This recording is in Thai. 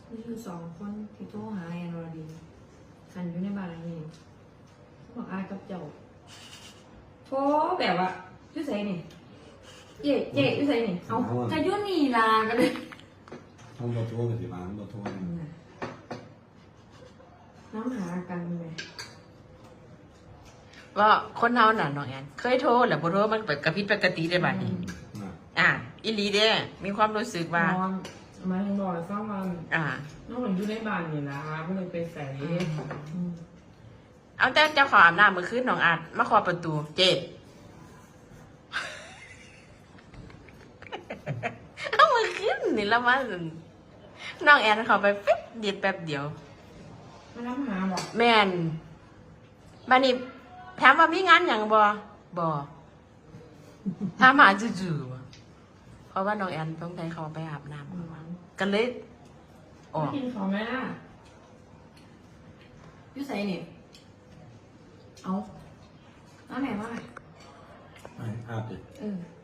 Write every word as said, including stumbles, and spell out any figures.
นี่คือสองคนที่โทรหาแอนวรดีกันอยู่ในบ้านหลังนี้บอกอายกับเจ้าโทรแบบว่าชื่อใส่นี่เจ๊เจ๊ชื่อใส่นี่เอากระยุ่นนี่ลากันเลยห้องบอโทรกับที่บ้านบอโทรน้ำหากันไหมว่าคนเฮาน่ะน้องแอนเคยโทรแหละบ่โทรมันเปิดกระพริบปกติได้บัดนี้อ่าอีหลีเด้มีความรู้สึกว่านอนมาถึงบอกฟังว่าอ่าน้องเหมือนอยู่ในบ้านนี่นะก็เลยไปใส่เอาแต่เจ้าของอาบน้ำมื้อคืนน้องอาจมาเคาะประตูเจ็ดเอามื้อคืนนี่ละมันน้องแอนเข้าไปปิ๊บเดียวแป๊บเดียวมาน้ำหาบอกแม่นบัดนี้ถามว่ามีงานหยังบ่บ่ถามหาจู่ๆบ่เพราะว่าน้องแอนต้องใจเขาไปอาบน้ำกันเลยออกกินของแม่ยุ่ใส่นี่เอาน้ำแม่ว่าไปอาบดิเออ